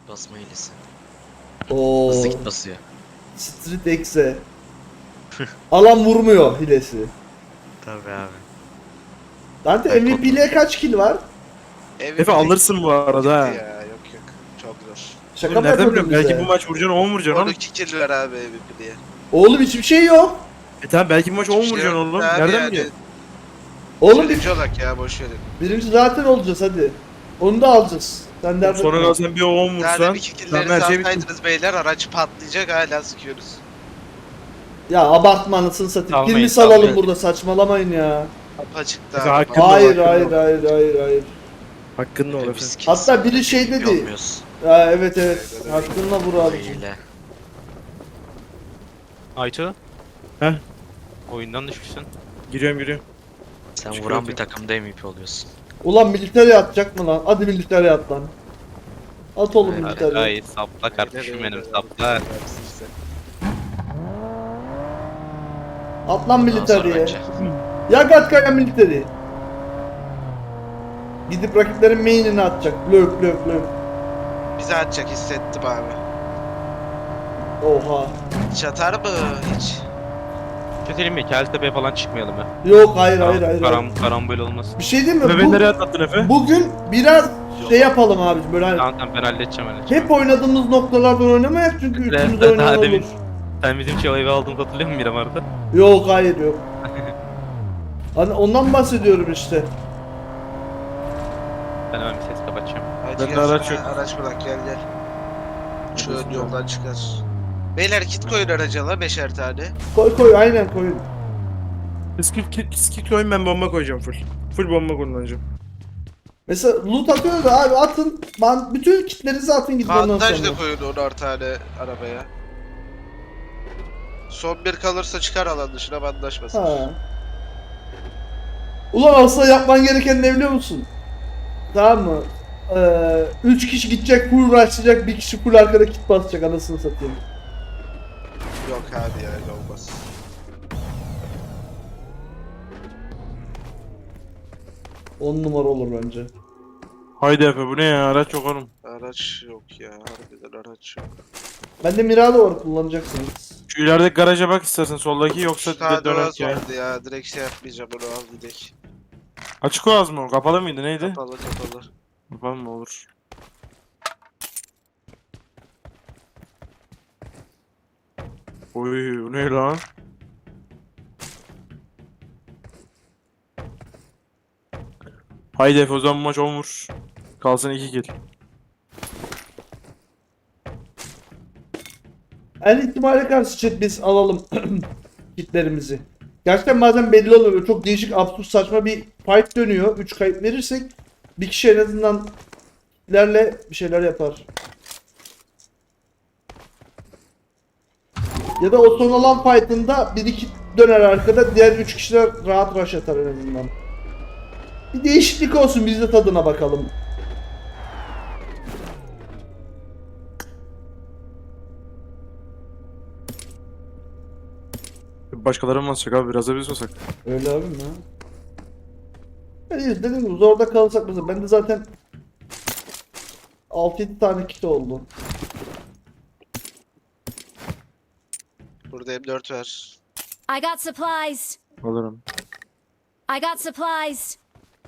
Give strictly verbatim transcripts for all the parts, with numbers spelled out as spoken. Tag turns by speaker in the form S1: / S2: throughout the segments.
S1: basma hilesi.
S2: Oo.
S1: Hızlı git basıyor.
S2: Street X'e. Alan vurmuyor hilesi.
S1: Tabii abi.
S2: Dante
S1: Ben
S2: M V P'liğe kaç kill var?
S3: Efe alırsın bu arada ha.
S4: Ya yok yok. Çok zor.
S2: Şaka
S3: Oğlum
S2: mı
S3: nereden
S2: yapıyordun
S3: biliyorum? Belki
S2: bize?
S3: bu maç vuracaksın on vuracaksın oğlum.
S4: on iki kill ver abi M V P diye.
S2: Oğlum hiçbir şey yok.
S3: E tamam belki bu maç on
S4: Hiçbir şey
S3: vuracaksın
S4: yok
S3: oğlum.
S4: abi
S3: Nereden
S4: yani.
S3: biliyorsun?
S2: Oğlum bir,
S4: Birinci olak ya boş verin.
S2: birinci zaten olacağız hadi. Onu da alacağız. Sen dert
S3: Sonra
S2: etme.
S3: kalsan bir on
S4: Yani
S3: vursan.
S4: iki
S3: Tamam
S4: killleri
S3: her şey bitti.
S4: salsaydınız beyler araç patlayacak hala sıkıyoruz.
S2: Ya abartma anasını satayım.
S1: Almayın,
S2: Kilimi salalım
S1: almayın.
S2: burada, saçmalamayın ya.
S4: Apaçıkta.
S3: Mesela
S4: abi.
S3: hakkın da
S2: Hayır
S3: ol,
S2: hayır
S3: hakkın da ol.
S2: hayır hayır hayır.
S3: Hakkın da ol Efe.
S1: Biz kill
S2: Hatta
S1: saldık,
S2: biri şey
S1: M V P
S2: dedi.
S1: olmuyoruz.
S2: Ya evet evet. Hakkınla vur abi.
S1: Hile.
S5: Aytu.
S3: Heh.
S5: Oyundan düşmüşsün.
S3: Giriyorum giriyorum.
S1: Sen
S3: Çıkıyor
S1: vuran
S3: ki.
S1: bir takımda M V P oluyorsun.
S2: Ulan militeri atacak mı lan? Hadi militeri at lan. At oğlum
S1: Hayır,
S2: militeri.
S5: Hayır sapla kardeşim benim sapla.
S2: At lan
S1: Ondan sonra
S2: militeri.
S1: bence.
S2: Ya Gatkaya militeri. Gidip rakiplerin main'ini atacak. Lök lök lök.
S4: Bize atacak hissettim abi.
S2: Oha.
S4: Hiç atar mı hiç?
S5: Kötülerim mi? Keltepe'ye falan çıkmayalım ya.
S2: Yok hayır hayır hayır.
S5: Karam,
S2: hayır.
S5: karambol olmasın.
S2: Bir şey değil mi?
S3: Efe beni
S2: Bu,
S3: nereye atlattın Efe?
S2: bugün biraz şey yapalım abi böyle hani
S5: Tamam tamam ben halledeceğim halledeceğim.
S2: hep oynadığımız noktalardan oynamayak çünkü
S5: Ben-
S2: üçümüz
S5: ben
S2: oynayan
S5: daha
S2: olur.
S5: demin- Sen bizim Çağlay'ı aldığımızı hatırlıyor musun Miramar'da?
S2: Yok hayır yok. Hani ondan bahsediyorum işte.
S5: Ben hemen bir ses kapatacağım.
S4: Hadi
S3: Bende
S4: gel
S3: araç
S4: sana
S3: yok.
S4: araç bırak gel gel. Şu
S3: Neredesin
S4: ön yoldan çıkar. Beyler kit koyun araca la beşer tane.
S2: Koy koy aynen koyun.
S3: Skit skit koyun ben bomba koyacağım full. Full bomba kullanacağım.
S2: Mesela loot atıyor da abi atın. Ben bütün kitlerinizi atın gidin ondan
S4: Bandaj
S2: sonra.
S4: da koyun onar tane arabaya. Son bir kalırsa çıkar alan dışına bandaj basar.
S2: Ha. Ulan aslında yapman gereken ne biliyor musun? Tamam mı? Ee, üç kişi gidecek full rushlayacak, bir kişi full arkada kit basacak anasını satayım.
S4: Yok abi ya öyle olmaz.
S2: On numara olur bence.
S3: Haydi Efe bu ne ya araç yok oğlum.
S4: Araç yok ya harbiden araç yok.
S2: Bende Mirado var kullanacaksınız.
S3: Şu ilerideki garaja bak istersen soldaki yoksa
S4: Şu tane
S3: döner
S4: Oğaz
S3: ya.
S4: vardı ya direkt şey yapmayacağım onu al gidek.
S3: Açık oğaz mı o? Kapalı mıydı neydi?
S4: Kapalı kapalı.
S3: Kapalı mı olur? Oy bu ne lan? Haydi Efe o zaman bu maç on vur. Kalsın iki kill.
S2: En ihtimale karşı chat biz alalım kitlerimizi. Gerçekten bazen belli oluyor. Böyle çok değişik, absürt, saçma bir fight dönüyor. üç kayıp verirsek bir kişi en azından kitlerle bir şeyler yapar. Ya da o son olan fight'ında bir iki döner arkada, diğer üç kişiler rahat rush atar en azından. Bir değişiklik olsun, biz de tadına bakalım.
S3: Başkaları mı basacak abi biraz da biz basak.
S2: Öyle abi mi? Yani dediğim gibi zorda kalırsak mesela bende zaten altı yedi tane kit oldu.
S4: Burada M dört ver.
S6: I got supplies.
S3: Alırım.
S6: I got supplies.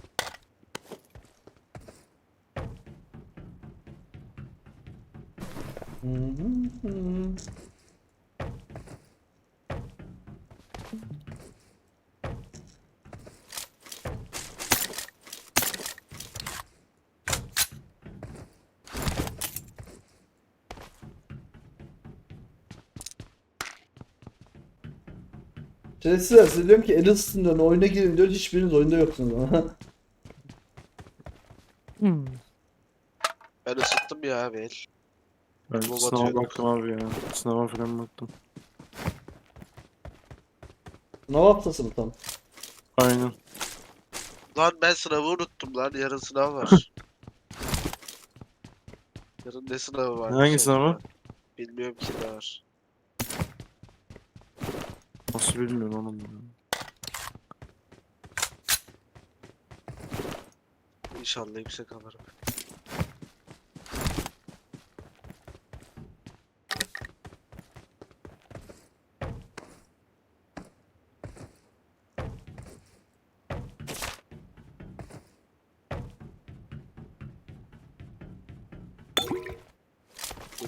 S2: Hı hı hı. Şerefsizler size diyorum ki el ısıtın diyorum, oyuna girin diyor, hiçbiriniz oyunda yoksunuz ama.
S4: Ben ısıttım ya abi el.
S3: Ben
S4: Bu
S3: sınava
S4: batıyor.
S3: baktım abi ya. Sınava falan baktım.
S2: Sınav haftası mı tam?
S3: Aynen.
S4: Lan ben sınavı unuttum lan yarın sınav var. Yarın ne sınavı var?
S3: Hangi sınavı?
S4: Bilmiyorum ki ne var.
S3: Nasıl bilmiyorum oğlum ya.
S4: İnşallah yüksek alırım.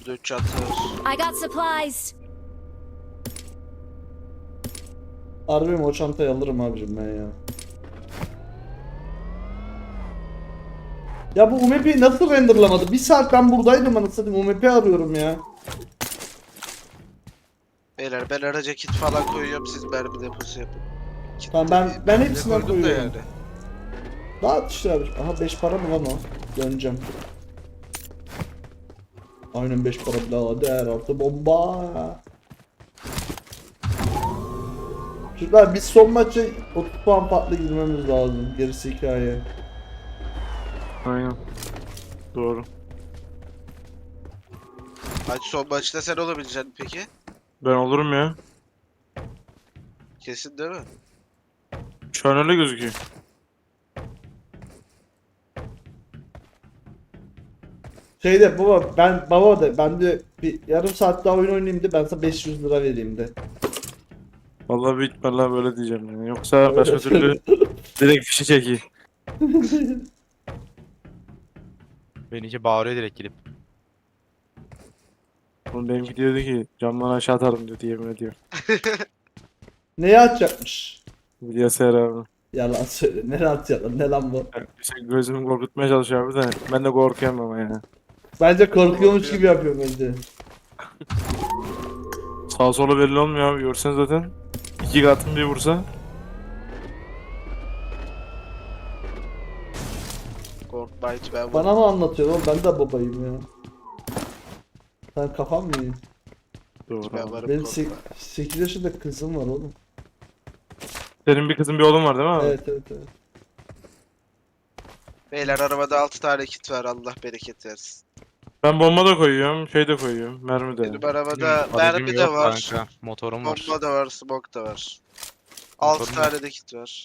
S4: Burada üç çanta var.
S6: I got supplies.
S2: Harbi mi o çantayı alırım abicim ben ya. Ya bu U M P'yi nasıl renderlamadı? Bir saat ben buradaydım anasını satayım. U M P arıyorum ya.
S4: Beyler ben araca kit falan koyuyorum, siz mermi deposu yapın. Kit
S2: Tamam, ben-
S4: de-
S2: ben
S4: de
S2: hepsinden
S4: koydum da
S2: koyuyorum. Dağıt işte abi. Aha beş para mı lan o? Döneceğim. Aynen beş para birader, artı bomba. Çocuklar biz son maça otuz puan farklı girmemiz lazım. Gerisi hikaye.
S3: Aynen. Doğru.
S4: Hadi son maçta sen olabileceksin peki?
S3: Ben olurum ya.
S4: Kesin değil mi?
S3: Şu an öyle gözüküyor.
S2: Şeyde baba ben baba da ben de bir yarım saat daha oyun oynayayım de ben sana beş yüz lira vereyim de.
S3: Vallahi büyük ihtimalle böyle diyeceğim yani. Yoksa başka türlü direkt fişi çekeyim.
S5: Beni iyice bağırıyor direkt gidip.
S3: Oğlum benimki diyordu ki camdan aşağı atarım diyordu, yemin ediyor.
S2: Neye atacakmış?
S3: Bilgisayar abi.
S2: Yalan söyle. Ne atacak lan? Ne lan bu?
S3: Yani şey, gözümü korkutmaya çalışıyor abi de ben de korkuyorum ama ya.
S2: Bence korkuyormuş gibi yapıyor bence.
S3: Sağ sola belli olmuyor abi, görsen zaten. İki katın bir vursa.
S4: Korkma hiç ben
S2: Bana mı anlatıyor oğlum? Ben de babayım ya. Sen kafam mı iyi?
S3: Doğru
S4: ben
S3: abi.
S4: varım,
S2: Benim
S4: korkma.
S2: sekiz yaşında kızım var oğlum.
S3: Senin bir kızın bir oğlun var değil mi abi?
S2: Evet evet evet.
S4: Beyler arabada altı tane kit var, Allah bereket versin.
S3: Ben bomba da koyuyorum, şey de koyuyorum, mermi de.
S4: Benim arabada
S5: Aracım
S4: mermi de
S5: yok
S4: var,
S5: kanka, motorum var.
S4: bomba da var, smoke da var. altı
S5: Motorum
S4: tane de kit var.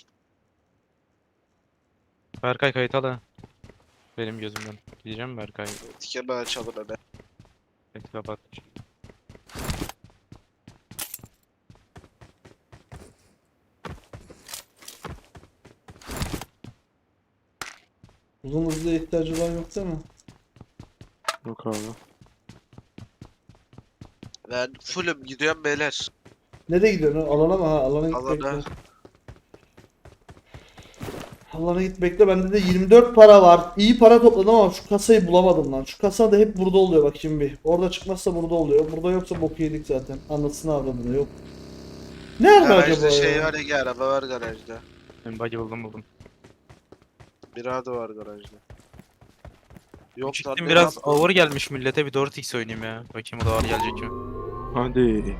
S5: Berkay kayıt al ha. Benim gözümden. Gideceğim mi Berkay?
S4: Tikemi açalım hemen.
S5: Kayıtı kapat.
S2: Uzun hızlı ihtiyacı olan yok değil mi?
S3: Yok abi.
S4: Ben fullüm gidiyorum beyler.
S2: Nereye gidiyorsun? Alana mı? Ha, alana git
S4: Alana.
S2: bekle. Alana git bekle. Bende de yirmi dört para var. İyi para topladım ama şu kasayı bulamadım lan. Şu kasa da hep burada oluyor bakayım bir. Orada çıkmazsa burada oluyor. Burada yoksa boku yedik zaten. Anasını avradını yok. Nerede acaba
S4: Garajda
S2: ya?
S4: şey var ya, araba var garajda.
S5: Ben bug'i buldum buldum.
S4: Mirado var garajda. Yok lan,
S5: Çıktım
S4: ne
S5: biraz
S4: lan?
S5: ağır gelmiş millete, bir dört x oynayayım ya. Bakayım o da ağır gelecek mi?
S3: Hadi.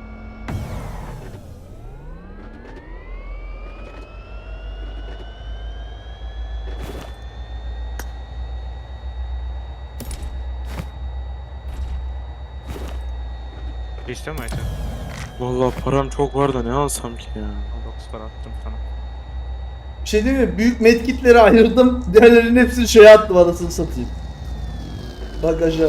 S5: İstiyor mu Ayten?
S3: Vallahi param çok var da ne alsam ki ya.
S5: dokuz para attım sana.
S2: Bir şey değil mi? Büyük medkitleri ayırdım. Diğerlerinin hepsini şeye attım anasını satayım. Bagaja.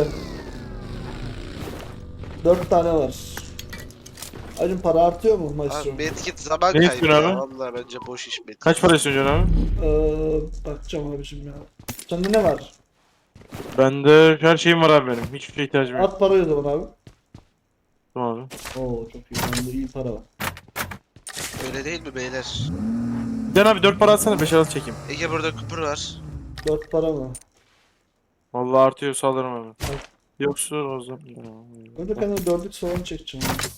S2: Dört tane var. Acım para artıyor mu maestro?
S4: Abi medkit zaman
S3: Ne
S4: kaybı
S3: istiyorsun
S4: ya.
S3: abi?
S4: Vallahi bence boş iş medkit.
S3: Kaç para istiyorsun abi?
S2: Ee, bakacağım abicim ya. Sende ne var?
S3: Bende her şeyim var abi benim. Hiçbir şeye ihtiyacım yok.
S2: At parayı o zaman abi.
S3: Tamam abi.
S2: Oo çok iyi. Bende iyi para var.
S4: Öyle değil mi beyler?
S3: Bir abi dört para atsana, beş arası çekeyim.
S4: Ege burada kupur var.
S2: Dört para mı?
S3: Vallahi artıyorsa alırım abi.
S2: Al.
S3: Yoksa o zaman.
S2: Önce ben de dördlük soğan çekeceğim. ya.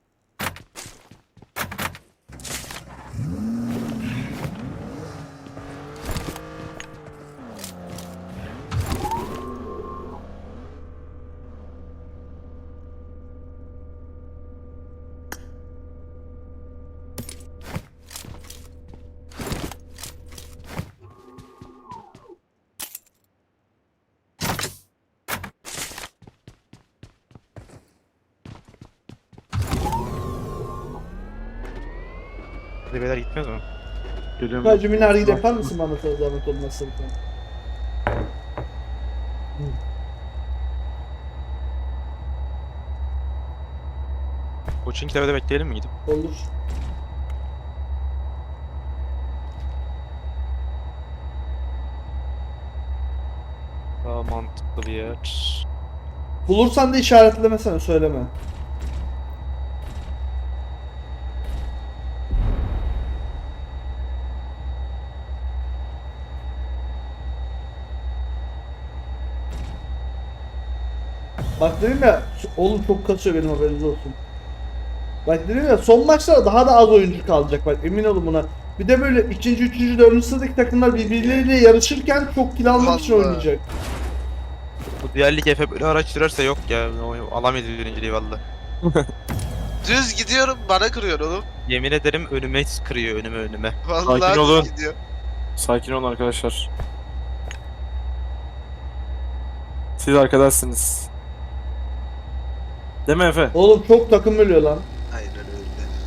S5: Hadi beyler gitmez mi?
S3: Geliyorum.
S2: Hacı minargile yapar mısın bana sana zahmet olmazsa bir tane?
S5: Koçun kitabede bekleyelim mi gidip?
S2: Olur.
S5: Daha mantıklı bir yer.
S2: Bulursan da işaretlemesene, söyleme. Bak dedim ya, oğlum çok kasıyor, benim haberiniz olsun. Bak dedim ya, son maçlarda daha da az oyuncu kalacak, bak emin olun buna. Bir de böyle ikinci, üçüncü, dördüncü sıradaki takımlar birbirleriyle yarışırken çok kill almak için
S4: Allah.
S2: oynayacak.
S5: Bu diğer lig Efe böyle araç sürerse yok ya. O alamayız birinciliği valla.
S4: Düz gidiyorum bana kırıyor oğlum.
S5: Yemin ederim önüme kırıyor önüme önüme.
S4: Vallahi
S3: Sakin
S4: düz
S3: olun.
S4: gidiyor.
S3: Sakin olun arkadaşlar. Siz arkadaşsınız. Değil mi Efe?
S2: Oğlum çok takım ölüyor lan.
S4: Aynen öyle.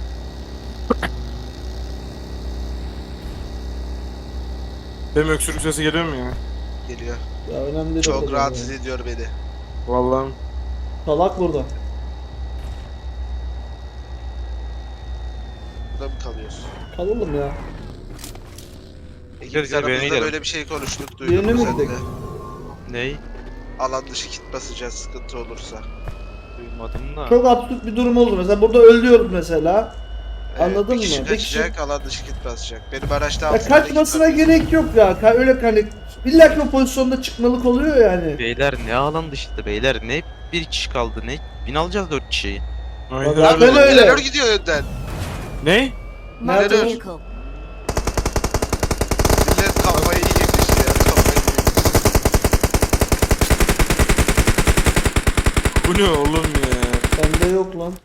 S3: Benim öksürük sesi geliyor mu ya?
S4: Geliyor.
S2: Ya önemli değil. o
S4: Çok
S2: kadar
S4: rahatsız
S2: ya.
S4: ediyor beni.
S3: Vallahi
S2: Salak burada.
S4: Burada mı kalıyorsun?
S2: Kalalım ya.
S4: İkimiz
S5: Gideriz ya, bir yere
S4: aramızda
S5: gidelim.
S4: böyle bir şey konuştuk,
S2: Birine
S4: duydum
S2: mi
S4: sen
S2: gidelim?
S4: de.
S5: Ney?
S4: Alan dışı kit basacağız sıkıntı olursa.
S5: Duymadım da.
S2: Çok absürt bir durum oldu. Mesela burada ölüyoruz mesela.
S4: Ee,
S2: Anladın
S4: bir kişi
S2: mı? Bir kişi-
S4: kaçacak, alan dışı kit basacak. Benim araçta
S2: Ya
S4: altı tane
S2: kaçmasına
S4: kit var.
S2: gerek yok ya. Ka- Öyle hani illa ki o pozisyonda çıkmalık oluyor yani.
S5: Beyler ne alan dışında beyler ne bir kişi kaldı ne? Bin alacağız dört kişiyi.
S3: Aynen
S2: Bak,
S3: öyle.
S2: ben öyle.
S4: Neler gidiyor önden?
S3: Ne?
S6: Marked a
S2: Nerede?
S6: vehicle.
S4: Millet kafayı yemiş ya, kafayı yemiş.
S3: Bu ne oğlum ya?
S2: Bende yok lan.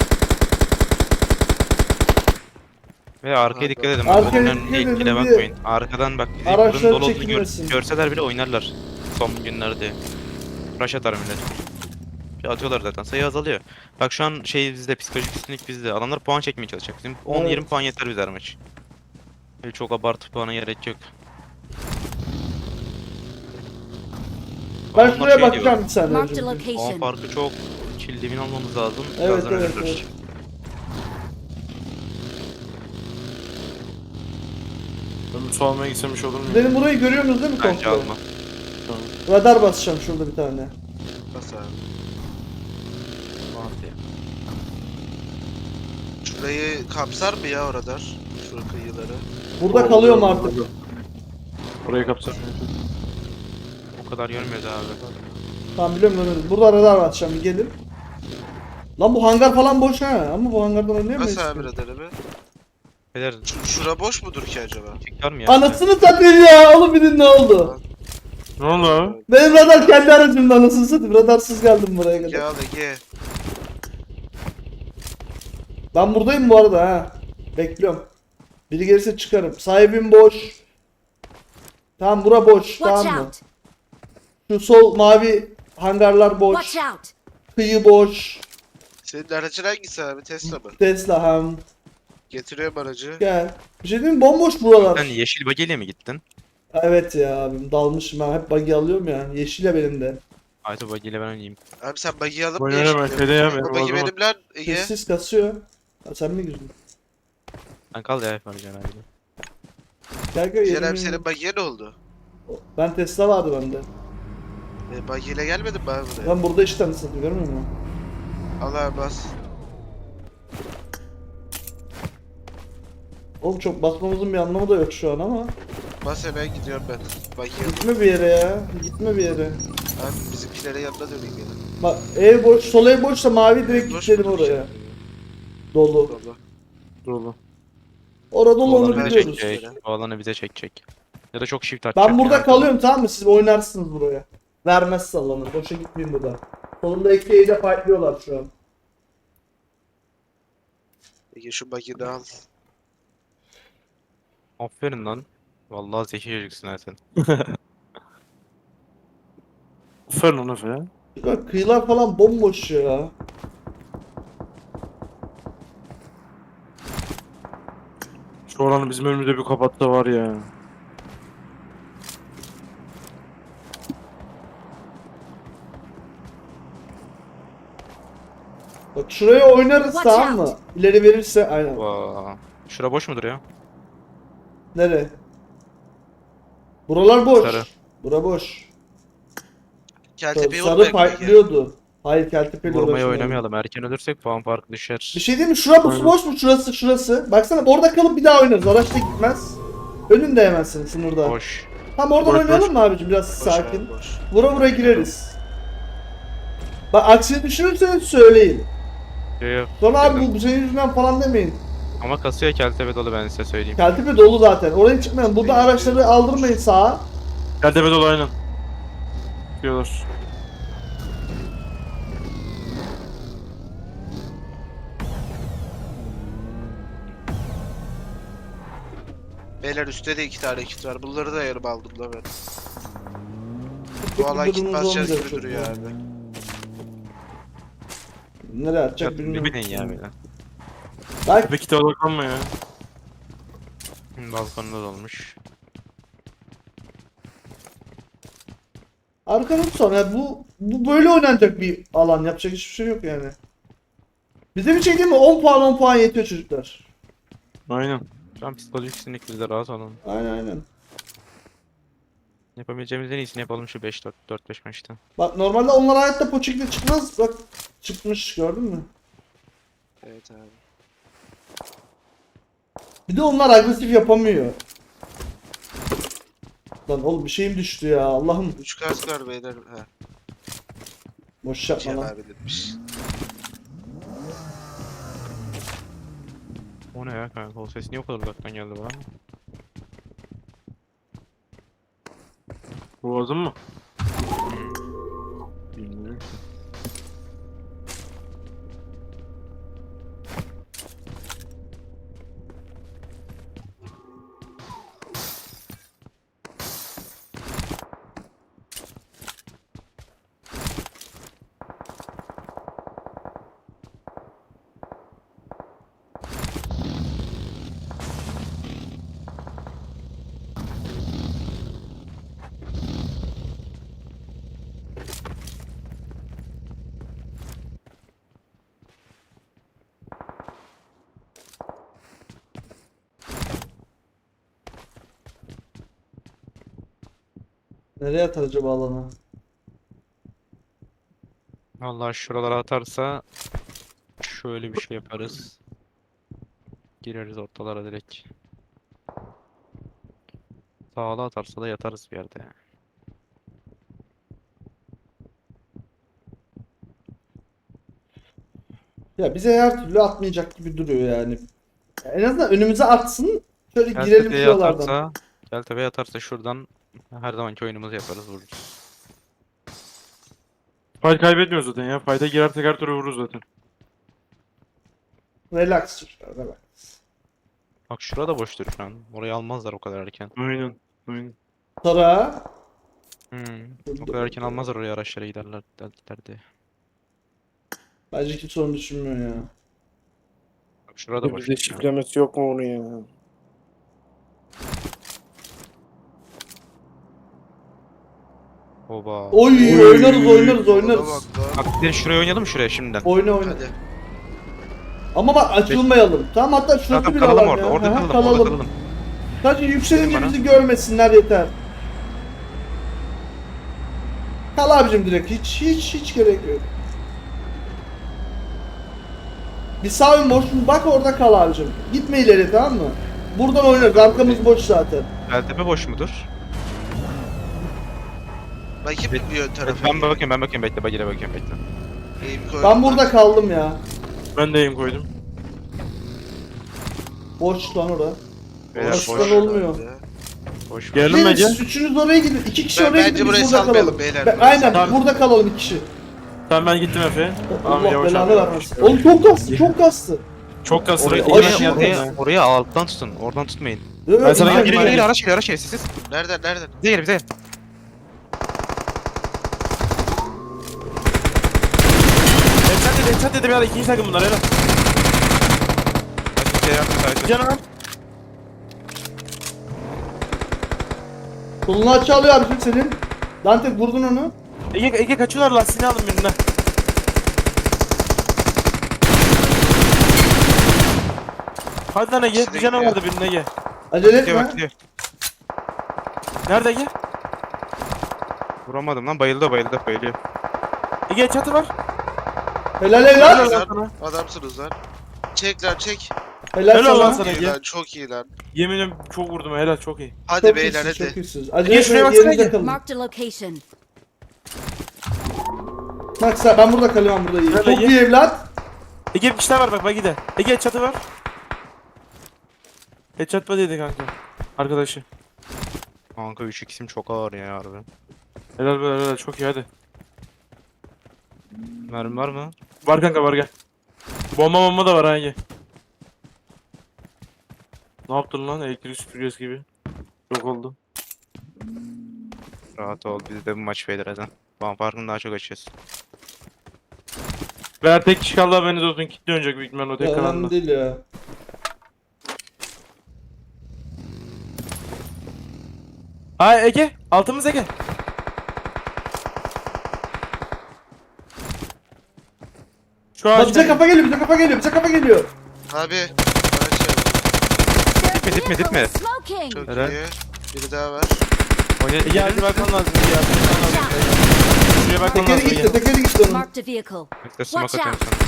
S5: Ve arkaya dikkat edin.
S2: Arkaya
S5: Arkaya
S2: dikkat edin
S5: dikkat
S2: diye.
S5: bakmayın. Arkadan bak bizi
S2: Araçlar
S5: burun dolu olduğunu gör,
S2: çekilmesin.
S5: görseler bile oynarlar. Son günlerde. Rush atar millet. Bir atıyorlar zaten sayı azalıyor. Bak şu an şey bizde psikolojik üstünlük bizde. Adamlar puan çekmeye çalışacak. Bizim on yirmi
S2: Evet.
S5: puan yeter bize her maç. Öyle çok abartı puana gerek yok.
S2: Ben
S5: Adamlar
S2: şuraya
S5: şey
S2: bakacağım
S5: diyor,
S2: bir saniye.
S6: Marked a
S2: önce.
S5: puan
S6: location.
S5: farkı çok. Kill devin almamız lazım.
S2: Evet,
S5: Birazdan
S2: evet,
S5: ölürüz.
S2: evet.
S3: Ben bir su almaya gitsem iş olur mu? ya?
S2: Benim burayı görüyorsunuz değil mi
S5: Bence
S2: komple?
S5: alma.
S2: Radar basacağım şurada bir tane.
S4: Bas abi.
S5: Hadi.
S4: Şurayı kapsar mı ya o radar? Şu kıyıları.
S2: Burada
S3: Oo,
S2: kalıyorum
S3: oluyor,
S2: artık.
S3: oluyor. Orayı kapsam.
S5: O kadar görmüyoruz abi.
S2: Tamam biliyorum görüyorum. Burada radar basacağım, bir gelin. Lan bu hangar falan boş ha. Ama bu hangardan oynayamayız.
S4: Bas abi
S2: ki.
S4: radarı be.
S5: Beyler
S4: Şu- Şura boş mudur ki acaba?
S5: çıkar mı ya?
S2: Anasını satayım ya. Oğlum bilin ne oldu?
S3: Ne oldu abi?
S2: Benim radar kendi aracımda, anasını satayım. Radarsız geldim buraya
S4: Ege
S2: kadar.
S4: al Ege.
S2: Ben buradayım bu arada ha. Bekliyorum. Biri gelirse çıkarım. Sahibim boş. Tamam bura boş.
S6: Watch
S2: Tamam mı?
S6: out.
S2: Şu sol mavi hangarlar boş.
S6: Watch out.
S2: Kıyı boş.
S4: Senin aracın hangisi abi? Tesla mı?
S2: Tesla ham.
S4: Getiriyorum aracı.
S2: Gel. Bir şey diyeyim mi? Bomboş buralar.
S5: Sen yeşil bagiyle mi gittin?
S2: Evet ya abim, dalmışım ben. Hep buggy alıyorum ya. Yeşil ya benim de.
S5: Ayto bagiyle ben oynayayım.
S4: Abi sen buggy'i alıp
S3: Oyna
S4: niye
S3: hemen,
S4: çıkıyorsun?
S3: kele hemen,
S4: O
S3: o
S4: buggy
S3: zaman.
S4: benim lan Ege.
S2: Sessiz kasıyor. Ha, sen mi girdin?
S5: Sen kal ya yapacaksın abi.
S2: Gel gel.
S4: Diğer abi
S2: yemin-
S4: senin buggy'e ne oldu?
S2: Ben Tesla vardı bende.
S4: E, buggy ile gelmedin mi abi buraya?
S2: Ben burada işte nasıl görmüyor musun?
S4: Al abi bas.
S2: Oğlum çok basmamızın bir anlamı da yok şu an ama.
S4: Bas hemen gidiyorum ben. Buggy'ye alıp.
S2: Gitme bir yere ya. Gitme bir yere.
S4: Abi bizimkilere yanına döneyim yine.
S2: Bak ev boş, sol ev boşsa mavi direkt
S4: Boş
S2: gidelim
S4: mudur ki?
S2: oraya. Dolu.
S4: Dolu.
S3: Dolu.
S2: Orada dolu
S5: Bu
S2: onu
S5: alanı bize
S2: biliyoruz.
S5: çekecek. Bu alanı bize çekecek. Ya da çok shift
S2: Ben
S5: atacak.
S2: burada
S5: ya.
S2: kalıyorum tamam mı? Siz oynarsınız buraya. Vermez sallanır. Boşa gitmeyin burada. Solunda Eke'yi de fightlıyorlar şu an.
S4: Ege şu buggy'yi de al.
S5: Aferin lan. Vallahi zeki çocuksun ha sen.
S3: Aferin lan Efe ya.
S2: Bak kıyılar falan bomboş ya.
S3: Şu oranı bizim önümüzde bir kapattı var ya.
S2: Bak şuraya oynarız
S6: Watch
S2: tamam mı?
S6: out.
S2: İleri verirse aynen.
S5: Vaa. Şura boş mudur ya?
S2: Nere? Buralar boş.
S5: Sarı.
S2: Bura boş.
S4: Keltepe'yi
S2: Sarı
S4: unutmayın Ege.
S2: fightlıyordu. Hayır Keltepe'yle
S5: Vurmaya
S2: uğraşmayalım.
S5: oynamayalım. Erken ölürsek puan farkı düşer.
S2: Bir şey diyeyim mi? Şurası
S3: Aynen.
S2: boş mu? Şurası şurası. Baksana orada kalıp bir daha oynarız. Araçta gitmez. Önünde yemezsin sınırda.
S5: Boş.
S2: Tam oradan
S3: Boş,
S2: oynayalım
S3: boş.
S2: mı abicim? Biraz
S4: Boş
S2: sakin.
S4: abi, boş.
S2: Vura vura gireriz. Bak aksini düşünürseniz söyleyin.
S5: Yok yok.
S2: Sonra abi bu, bu senin yüzünden falan demeyin.
S5: Ama kasıyor Keltepe dolu ben size söyleyeyim.
S2: Keltepe dolu zaten. Oraya çıkmayalım. Burada araçları aldırmayın sağa.
S3: Keltepe dolu aynen. Diyorlar.
S4: Beyler üstte de iki tane kit var. Bunları da yarım aldım da ben. Bu alan kit
S2: Durumumuz
S4: basacağız
S2: olmayacak
S4: gibi
S2: çok
S4: duruyor
S2: fazla.
S4: abi.
S2: Nereye atacak
S5: Ne
S2: bilmiyorum.
S5: bileyim ya böyle.
S2: Bak
S3: Ve kitaba bakma ya.
S5: Hı, Balkonda dolmuş.
S2: arkanı sonra yani bu bu böyle oynanacak bir alan. Yapacak hiçbir şey yok yani. Bize bir şey değil mi? on puan on puan yetiyor çocuklar.
S3: Aynen.
S5: Şu an psikolojik sinirlik bizde rahat olun.
S2: Aynen aynen.
S5: Yapabileceğimiz en iyisini yapalım şu beş dört dört beş maçta.
S2: Bak normalde onlar hayatta poçikle çıkmaz. Bak çıkmış gördün mü?
S4: Evet abi.
S2: Bir de onlar agresif yapamıyor. Lan oğlum bir şeyim düştü ya Allah'ım.
S4: üç kask var beyler. Ha.
S2: Boş yapma
S4: Cihan
S2: lan.
S4: abi demiş.
S5: O ne ya kanka? O ses niye o kadar uzaktan geldi bana?
S3: Boğazın mı? Bilmiyorum ki.
S2: Nereye atar acaba alanı?
S5: Vallahi şuralara atarsa şöyle bir şey yaparız. Gireriz ortalara direkt. Sağla atarsa da yatarız bir yerde.
S2: Ya bize her türlü atmayacak gibi duruyor yani. Ya en azından önümüze atsın. Şöyle girelim
S5: Keltepe'ye
S2: şuralardan.
S5: atarsa, Keltepe'ye atarsa şuradan her zamanki oyunumuzu yaparız vururuz.
S3: Fight kaybetmiyoruz zaten ya. Fight'a girersek her türlü vururuz zaten.
S2: Relax çocuklar relax.
S5: Bak şurada boştur şu an. Orayı almazlar o kadar erken.
S3: Aynen. Aynen.
S2: Sonra
S5: Hmm. O kadar erken almazlar oraya araçlara giderler giderdi.
S2: bence kimse onu düşünmüyor ya.
S5: Bak şurada boş.
S3: Bizde şiflemesi yok mu onu ya?
S5: Oba.
S2: Oy
S3: Oy.
S2: oynarız oynarız
S4: Ona
S2: oynarız.
S4: bak lan.
S5: Bak bir de şuraya oynayalım mı şuraya şimdiden?
S2: Oyna oyna.
S4: Hadi.
S2: Ama bak açılmayalım. Tamam hatta şurası
S5: Zaten
S2: bir
S5: kalalım
S2: alan
S5: orada,
S2: ya.
S5: orada
S2: Aha,
S5: kalalım, orada
S2: kalalım.
S5: kalalım.
S2: Sadece yükselince
S5: Bana.
S2: bizi görmesinler yeter. Kal abicim direkt hiç hiç hiç gerek yok. Bir sağ ön boş bak orada kal abicim. Gitme ileri tamam mı? Buradan oynarız arkamız boş zaten.
S5: Keltepe boş mudur?
S4: Bakayım bir ön tarafa.
S5: Ben bakayım, ben bakayım bekle, bagire bakayım bekle.
S4: Eğim koydum
S2: Ben burada kaldım ya.
S3: Ben de aim koydum.
S2: Boş lan orada.
S5: Beyler
S2: Başkan
S5: boş,
S2: olmuyor.
S5: boş.
S3: Geldim
S2: Gelin
S3: bence.
S2: siz üçünüz oraya gidin. İki kişi
S4: Ben-
S2: oraya
S4: bence
S2: gidin
S4: burayı
S2: biz burada
S4: salmayalım
S2: kalalım.
S4: beyler,
S2: Ben-
S4: burayı
S2: aynen
S3: salmayalım.
S2: burada kalalım iki kişi.
S3: Tamam ben gittim Efe. Tamam,
S2: Allah
S3: yavaş
S2: belanı
S3: abi.
S2: vermesin. Oğlum çok kastı çok kastı.
S3: Çok kaslı.
S5: Oraya,
S3: Bekle,
S2: Ay,
S5: oraya,
S3: yine
S2: şu-
S3: yapma
S5: oraya,
S3: ya.
S5: oraya alttan tutun, oradan tutmayın.
S2: Evet,
S3: Ben sana
S2: güzel,
S3: geri
S5: Geri
S2: güzel.
S5: geri araç geliyor, araç geliyor, siz siz.
S4: Nereden nereden?
S5: Bize gel, bize gel.
S3: Headshot dedi, headshot dedim ya. İkinci takım bunlar helal.
S5: Hadi şey yapma, sadece.
S3: Canım.
S2: Solunu açı alıyor abicim senin. Dante vurdun onu.
S3: Ege, Ege kaçıyorlar lastiğini alın birine. Hadi lan Ege.
S4: İkisi de
S3: Bir canım
S4: gidiyor.
S3: vardı birine Ege.
S2: Acele
S5: Gidiyor bak
S2: etme.
S5: gidiyor.
S3: Nerede Ege?
S5: Vuramadım lan, bayıldı bayıldı bayılıyor.
S3: Ege çatı var.
S2: Helal helal.
S3: Helal
S4: Lan,
S3: sana.
S4: adamsınız lan. Çek lan çek.
S2: Helal
S3: Helal lan
S2: sana.
S3: sana.
S4: İyi
S3: Ege.
S4: lan çok iyi lan.
S3: Yeminim çok vurdum helal çok iyi.
S4: Hadi
S2: Çok
S4: beyler
S2: iyisiniz, çok
S4: hadi.
S2: iyisiniz.
S3: Ege,
S2: Acele
S3: şuraya
S2: etmeyin,
S3: baksana
S2: yerinizde
S3: Ege.
S2: kalın.
S6: Marked a location.
S2: Bak sen ben burada kalıyorum burada iyi.
S3: Helal
S2: Çok
S3: Ege.
S2: iyi evlat.
S3: Ege bir kişi daha var bak bak gide. Ege çatı var. Headshot mı dedi kanka? Arkadaşı.
S5: Kanka üç x'im çok ağır ya harbi.
S3: Helal be helal çok iyi hadi.
S5: Mermi var mı?
S3: Var kanka var gel. Bomba bomba da var ha Ege. Ne yaptın lan elektrik süpürgesi gibi. Çok oldu.
S5: Rahat ol biz de bu maç beyler hadi. Puan farkını daha çok açıyoruz.
S3: Ver tek kişi kaldı haberiniz olsun. Kitle oynayacak büyük ihtimalle o tek
S2: Ya, önemli
S3: kanalda.
S2: değil ya.
S3: Hay Ege. Altımız Ege. Şu
S2: Bak
S3: ağaç.
S2: bize kafa geliyor, bize kafa geliyor, bize kafa geliyor.
S4: Abi.
S6: Their
S5: Dipme, dipme,
S6: vehicle
S5: dipme.
S6: is smoking.
S4: Çok
S5: Helal.
S4: iyi. Biri daha var.
S5: Oyna
S3: Ege hadi bakman lazım Ege. hadi bakman lazım. Şuraya bakman
S2: Tekeri
S3: lazım
S2: gitti,
S3: Ege.
S2: tekeri gitti onun.
S6: Marked a vehicle.
S5: İşte smoke
S6: Watch
S5: atıyorum
S6: out.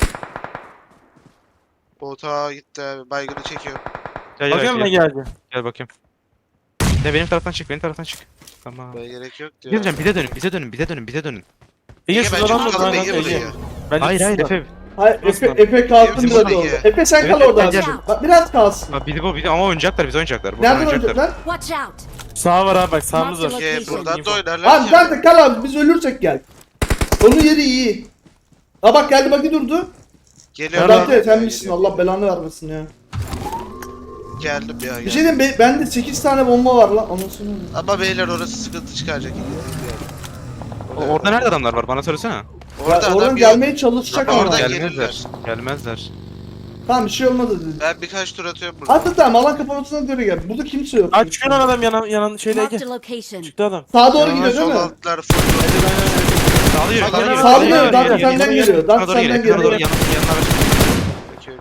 S5: sana.
S4: Bota gitti abi. Baygını çekiyor.
S5: Gel
S3: Bakıyor
S5: gel
S3: musun
S5: gel.
S3: Ege hadi?
S5: Gel bakayım. Ne benim taraftan çık benim taraftan çık. Tamam.
S4: Böyle gerek yok diyor.
S5: Geleceğim bize dönün bize dönün bize dönün bize dönün.
S3: Ege
S4: Ege
S3: şurada
S4: bence
S3: adam var
S4: tutalım
S3: lan
S4: Ege
S3: Ege.
S4: burayı.
S3: Bence
S5: Hayır hayır
S3: şurada.
S5: Efe.
S2: Hayır Efe,
S3: Nasıl?
S2: Efe kalsın
S4: Bizim
S2: biraz
S4: burada
S2: orada.
S4: Ege.
S2: Efe sen
S5: Evet,
S2: kal
S5: evet,
S2: orada.
S5: gel,
S2: abi.
S6: gel.
S2: Bak biraz kalsın.
S5: Bak bizi bu bizi ama oynayacaklar bizi oynayacaklar. Burada
S2: Nereden
S5: oynayacaklar.
S2: oynayacaklar?
S6: Watch out.
S3: Sağ var abi bak sağımız var.
S6: Mark the
S4: Ege
S6: location.
S4: buradan da oynarlar
S2: Abi
S4: ki.
S2: zaten kal abi biz ölürsek gel. Onun yeri iyi. Aa bak geldi bak durdu.
S4: Geliyor.
S3: Nerede?
S2: Dante sen
S4: Geliyor.
S2: misin? Allah belanı vermesin ya.
S4: Geldim ya.
S2: Bir
S4: geldim.
S2: şey diyeyim be, bende sekiz tane bomba var lan. Anasını.
S4: Ama beyler orası sıkıntı çıkaracak.
S5: O- Orada nerede adamlar var bana söylesene.
S4: Orada
S2: Ya,
S4: adam
S2: oradan
S4: yok.
S2: gelmeye çalışacak
S4: Ama
S2: ama.
S4: oradan
S2: Gel.
S5: Gelmezler. Gelmezler.
S2: Tamam bir şey olmadı dedi.
S4: Ben birkaç tur atıyorum burada.
S2: Hatta tamam alan kapamasına göre gel. Burada kimse yok.
S3: Aç çıkıyor lan adam yanan yanan şeyle
S6: Marked
S3: Ege.
S6: a location.
S3: Çıktı adam.
S2: Sağa doğru
S4: Ama
S2: gidiyor değil
S4: sol
S2: mi?
S4: altlar full.
S5: Sağlı yürü.
S4: Sağlı
S5: sağlı
S4: yürü,
S5: yürü,
S2: sağlı
S5: sağlı
S2: yürü,
S5: yürü,
S2: Dante
S5: yürü,
S2: senden
S5: yürü,
S2: geliyor,
S5: yürü.
S2: Dante
S5: Bana doğru
S2: senden
S5: geliyor, bana doğru
S2: geliyor.
S5: yanına yanına ver.
S4: Bakıyorum.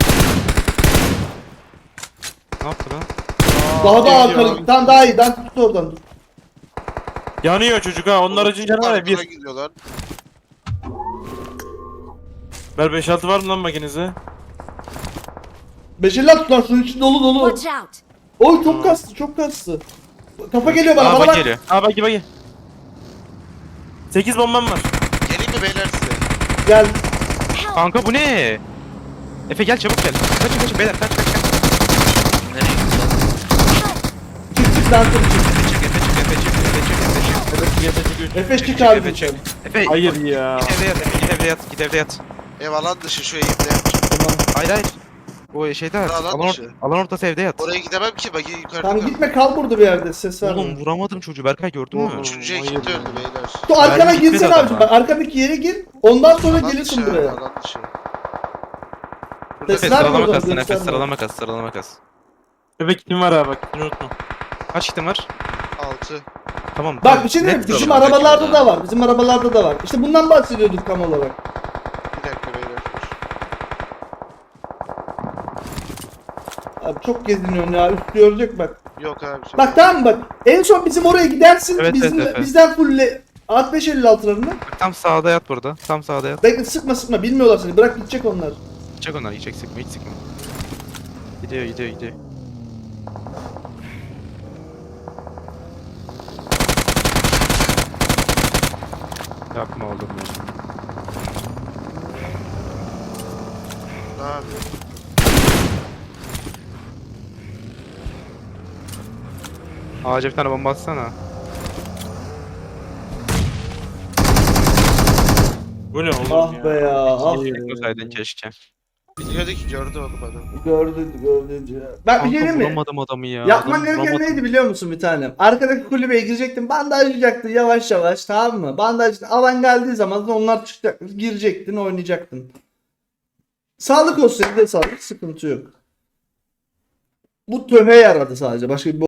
S5: Ne yaptı lan?
S2: Daha da
S3: Aa,
S2: arkalı. Tamam daha iyi. Dante tut oradan dur.
S3: Yanıyor çocuk ha. Onun aracın canı var ya
S4: Arkana
S3: bir.
S4: gidiyor lan.
S3: Ver beş altı var mı lan makinenize?
S2: Beşerler tut lan şunun içi dolu dolu.
S6: Watch out.
S2: Oy çok kastı çok kastı. Kafa geliyor bana
S5: Aa
S2: bana
S5: bak
S2: bak.
S5: geliyor.
S3: Ha bak bak. sekiz bombam var.
S4: Geleyim mi beyler size?
S2: Gel.
S6: Help.
S5: Kanka bu ne? Efe gel çabuk gel. Kaçın kaçın beyler kaç kaç kaç. Nereye gidiyorsun?
S2: Çık çık Dante çık.
S5: Efe çık Efe çık Efe çık Efe çık.
S2: Efe çık
S5: Çık,
S2: abi.
S5: Efe çık. Efe
S3: Hayır ya.
S5: git evde yat Efe git evde yat git evde yat.
S4: Ev alan dışı şu eğimde.
S2: Tamam.
S5: Hayır hayır. O şeyde yat.
S4: Alan
S5: Alan,
S4: dışı.
S5: or alan ortası evde yat.
S4: Oraya gidemem ki bak yukarıda.
S2: Tamam
S4: kal.
S2: gitme kal burada bir yerde ses
S5: Oğlum
S2: verme.
S5: vuramadım çocuğu Berkay gördün mü?
S3: Oğlum.
S4: Üçüncüye
S3: Hayır
S4: gitti
S3: ya.
S4: öldü beyler.
S2: Tu arkana
S5: Mermi gitmedi
S2: girsene
S5: adama.
S2: abicim. Bak arkadaki yere gir. Ondan sonra
S4: Alan
S2: gelirsin
S4: dışı,
S2: buraya.
S4: Alan dışı.
S2: Ses
S5: Efe
S2: verme
S5: sıralama
S2: oradan,
S5: kas sen Efe
S2: gösterme.
S5: sıralama kas sıralama kas.
S3: Bebek kitim var ha bak. Kitini unutma.
S5: Kaç kitin var?
S4: Altı.
S5: Tamam.
S2: Bak
S5: tamam.
S2: bir şey diyeyim mi?
S5: Net
S2: Bizim
S5: sıralama,
S2: arabalarda
S5: kaç
S2: da var. Bizim arabalarda da var. İşte bundan bahsediyorduk tam olarak.
S4: Bir dakika beyler.
S2: Abi çok geziniyorsun ya. Üst görecek bak.
S4: Yok abi. çok-
S2: Bak tamam mı bak. En son bizim oraya gidersin.
S5: Evet,
S2: bizim,
S5: evet, evet.
S2: bizden fulle altmış beş elli altılarını.
S5: Bak, tam sağda yat burada. Tam sağda yat.
S2: Bekle sıkma sıkma. Bilmiyorlar seni. Bırak gidecek onlar.
S5: Çek onları hiç sıkma hiç sıkma. Gidiyor gidiyor gidiyor. Yapma oğlum ya.
S4: Ne yapıyor?
S5: Ağaca bir tane bomba atsana.
S3: Bu ne oğlum
S2: Ah
S3: ya?
S2: be ya. Ah.
S5: Teknosaydın keşke.
S4: Biliyordu ki gördü onu adam.
S2: Gördü gördü. Ben bir şey
S5: Kanka
S2: diyeyim mi?
S5: vuramadım adamı ya.
S2: Yapman
S5: Adamı
S2: gereken
S5: vuramadım.
S2: neydi biliyor musun bir tanem? Arkadaki kulübeye girecektin, bandajlayacaktın yavaş yavaş, tamam mı? Bandaj alan geldiği zaman da onlar çıkacak, girecektin, oynayacaktın. Sağlık olsun, de sağlık, sıkıntı yok. Bu töhe yaradı sadece, başka bir